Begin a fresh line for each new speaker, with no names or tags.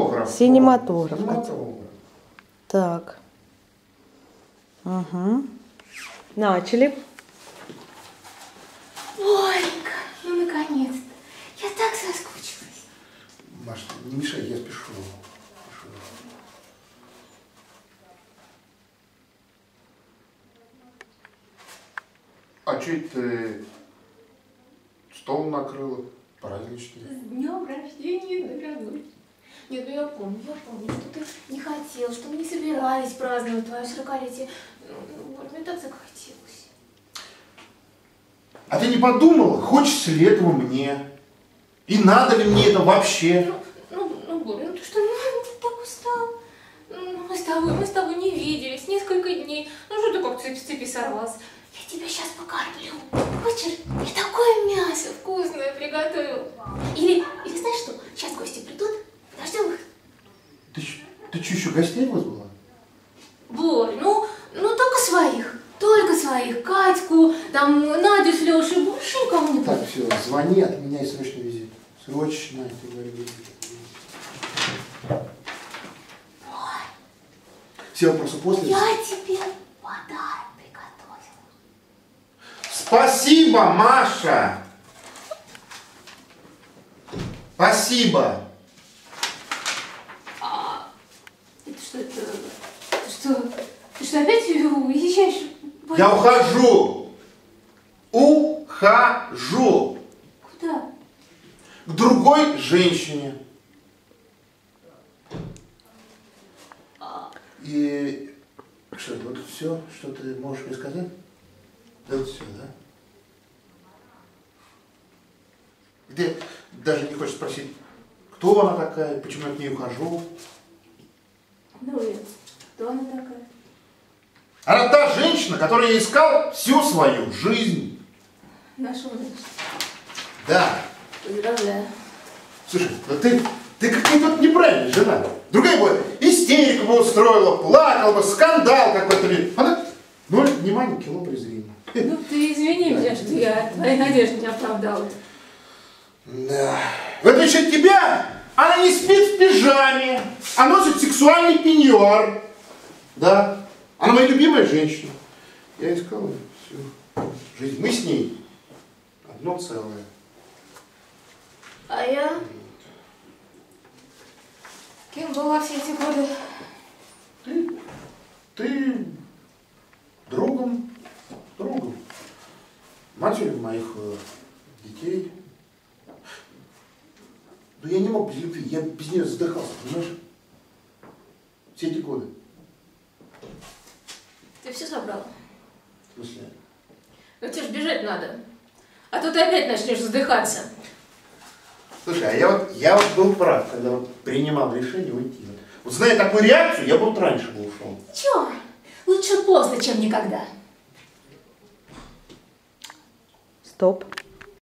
Синематограф.
Синематограф.
Синематограф.
Так. Угу. Начали.
Оленька, ну наконец-то. Я так соскучилась.
Маш, не мешай, я спешу. А че ты стол накрыла? Праздничный.
С днем рождения, дорогой. Нет, ну я помню, что ты не хотел, что мы не собирались праздновать твое 40-летие. Вот, мне так захотелось.
А ты не подумала, хочется ли этого мне? И надо ли мне это вообще?
Боря, ну ты что, ты так устал? Мы с тобой не виделись несколько дней. Ну что ты как с цепи сорвался? Я тебя сейчас покормлю. Хочешь? Я такое мясо вкусное приготовил. Или знаешь что? Сейчас гости придут, подождем их.
Ты что, еще гостей вызвала?
Борь, ну только своих. Только своих. Катьку, там Надю с Лешей, больше никому не
Так, все, звони, отменяй срочный визит. Срочно, ты говоришь, визит. Все вопросы после.
Я тебе подарок приготовила.
Спасибо, Маша! Спасибо!
Ты что, опять уезжаешь?
Я ухожу! Ухожу!
Куда?
К другой женщине. И что, вот все, что ты можешь мне сказать? Это все, да? Ты даже не хочешь спросить, кто она такая, почему я к ней ухожу?
Ну и кто она такая?
Она та женщина, которую я искал всю свою жизнь.
Нашел, значит.
Да.
Поздравляю.
Слушай, ну ты какая-то неправильная жена. Другая бы истерику бы устроила, плакала бы, скандал какой-то. Она ноль внимания, кило презрения.
Ну ты извини меня, что я твои надежды не оправдала.
Да. В отличие от тебя, она не спит в пижаме, а носит сексуальный пеньюар. Да. Она моя любимая женщина. Я искал ее всю жизнь. Мы с ней одно целое.
А я? Кем была все эти годы?
Ты другом. Матерью моих детей. Но я не мог без любви, я без нее задыхался, понимаешь? Все эти годы.
Ты все собрала?
В смысле?
Ну тебе ж бежать надо. А то ты опять начнешь задыхаться.
Слушай, а я вот был прав, когда вот принимал решение уйти. Вот зная такую реакцию, я бы вот раньше бы ушел.
Чё? Лучше поздно, чем никогда.
Стоп.